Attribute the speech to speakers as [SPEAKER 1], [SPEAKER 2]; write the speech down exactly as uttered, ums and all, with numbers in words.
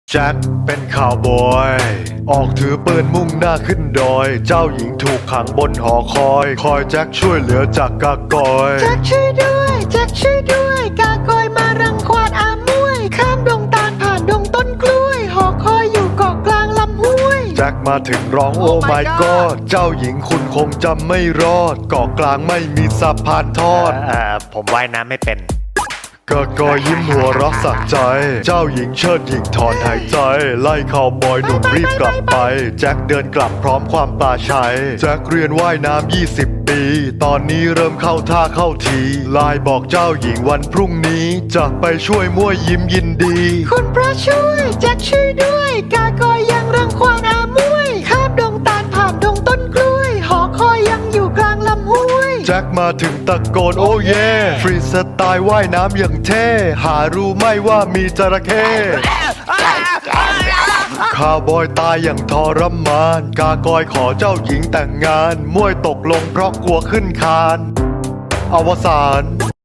[SPEAKER 1] แจ็คเป็นข่าวบอยออกถือปืนมุ่งหน้าขึ้นดอยเจ้าหญิงถูกขังบนหอคอยคอยแจ็คช่วยเหลือจากกากอย
[SPEAKER 2] แจ็คช่วยด้วยแจ็คช่วยด้วยกากอยมารังควานอามวยข้ามดงตาลผ่านดงต้นกล้วยหอคอยอยู่เกาะกลางลำห้วย
[SPEAKER 1] แจ็คมาถึงร้องโอ้ my god เจ้าหญิงคุณคงจำไม่รอดเกาะกลางไม่มีสะพานทอด
[SPEAKER 3] เอ่อผมว่ายน้ำไม่เป็น
[SPEAKER 1] กากอยยิ้มหัวเรักสักใจเจ้าหญิงเชิดหญิงถอนหายใจไล่ข่าวบอยหนุ่มรีบกลับไปแจ็คเดินกลับพร้อมความปลาชัยแจ็คเรียนว่ายน้ำยี่สิบปีตอนนี้เริ่มเข้าท่าเข้าทีไลน์บอกเจ้าหญิงวันพรุ่งนี้จะไปช่วยมั่วยิ้มยินดี
[SPEAKER 2] คุณพระช่วยแจ็คช่วยด้วยกากอยยังรังควานอามวยข้ามดงตาลผ่านดงต้นกล้วยหอคอยยังอยู่กลางลำห้วย
[SPEAKER 1] แจ็คมาถึงตะโกนโอ้เย่ฟรีสไตล์ว่ายน้ำอย่างเท่หารู้ไหม่ว่ามีจระเข้ข้าวบอยตายอย่างทรมานกากอยขอเจ้าหญิงแต่งงานมวยตกลงเพราะกลัวขึ้นคานอวสาน